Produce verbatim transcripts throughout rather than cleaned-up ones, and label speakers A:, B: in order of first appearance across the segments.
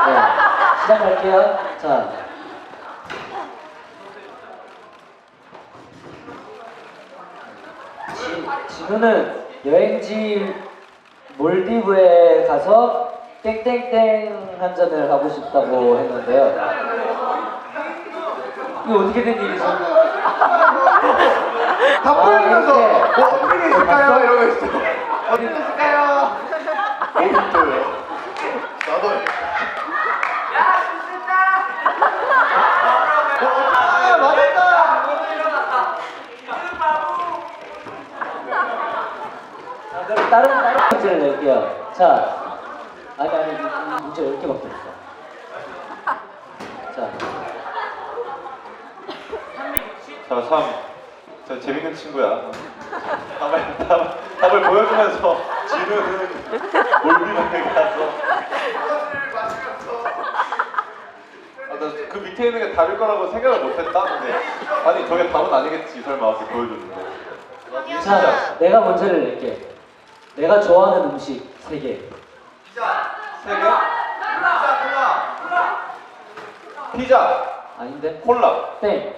A: 네, 시작할게요. 자. 지, 진우는 여행지 몰디브에 가서 땡땡땡 한 잔을 하고 싶다고 했는데요. 이거 어떻게 된 일이죠?
B: 다 보이면서
A: 아,
B: 뭐 어떻게 있을까요? 이러고 있어. 어떻게 있을까요? 모르겠어요. 나도. 아, 맞았다.
A: 자, 그럼 다른 다른 문제를 낼게요. 자, 아니 아니 이- 이 문제 열 개밖에 없어. 자,
C: 자, 참, 저 재밌는 친구야. 답을, 답, 답을 보여주면서 진우는 몰디브에 가서. 아, 나 그 밑에 있는 게 답일 거라고 생각을 못했다. 근데 아니 저게 답은 아니겠지 설마 이렇게 보여줬는데.
A: 자, 내가 문제를 낼게. 내가 좋아하는 음식 세 개.
C: 세 개? 피자,
A: 아닌데?
C: 콜라.
A: 땡.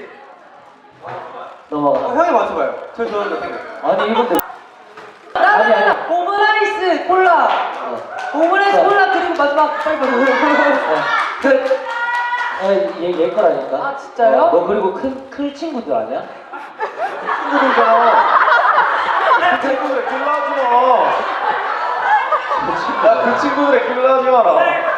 A: 넘어가.
C: 어, 형이 맞춰봐요. 제일 좋아하는 거 생각.
A: 아니 이건데. 아니 아니.
D: 오므라이스 콜라.
A: 어.
D: 오므라이스
A: 자.
D: 콜라 그리고 마지막 빨리
A: 어. 그. 어, 얘, 얘 거라니까.
D: 아, 진짜요?
A: 어, 너 그리고 큰, 클 친구들 아니야?
C: 친구들잖아. 그 친구들 길러하지 마. 야, 그 친구들의 길러하지 마라.